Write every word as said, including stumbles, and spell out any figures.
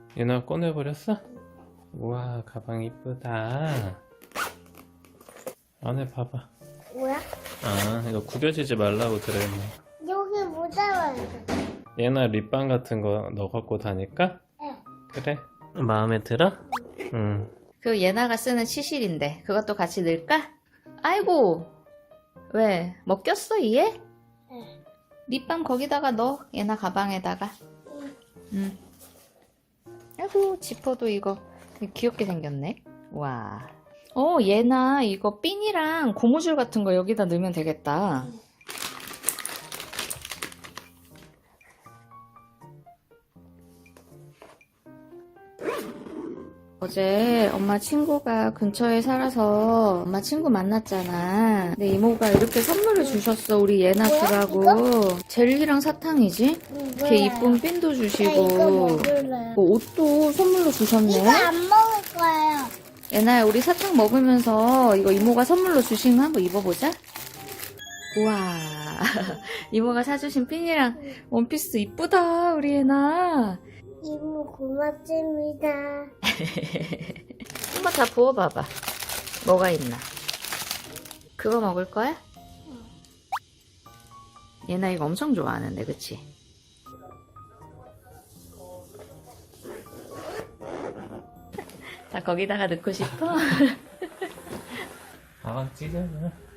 얘나 꺼내버렸어? 우와, 가방 이쁘다. 안에 봐봐. 뭐야? 아, 이거 구겨지지 말라고 들어있네. 여기 모자라야 얘나 립밤 같은 거 너 갖고 다닐까? 네. 그래. 마음에 들어? 응. 그 예나가 쓰는 치실인데 그것도 같이 넣을까? 아이고, 왜 먹겼어 이에? 네. 립밤 거기다가 넣어. 예나 가방에다가. 응. 아이고, 지퍼도 이거 귀엽게 생겼네. 와. 어, 예나 이거 핀이랑 고무줄 같은 거 여기다 넣으면 되겠다. 어제 엄마 친구가 근처에 살아서 엄마 친구 만났잖아. 근데 이모가 이렇게 선물을 주셨어. 우리 예나 뭐야, 주라고. 이거? 젤리랑 사탕이지? 이렇게 이쁜 핀도 나 이거 주시고 먹을래. 뭐 옷도 선물로 주셨네. 이거 안 먹을 거예요. 예나야, 우리 사탕 먹으면서 이거 이모가 선물로 주신 거 한번 입어보자. 우와. 이모가 사주신 핀이랑 원피스 이쁘다, 우리 예나. 이모 고맙습니다. 한번 다 부어봐봐. 뭐가 있나? 그거 먹을 거야? 예나 이거 엄청 좋아하는데, 그치? 다 거기다가 넣고 싶어? 가방 찢어져.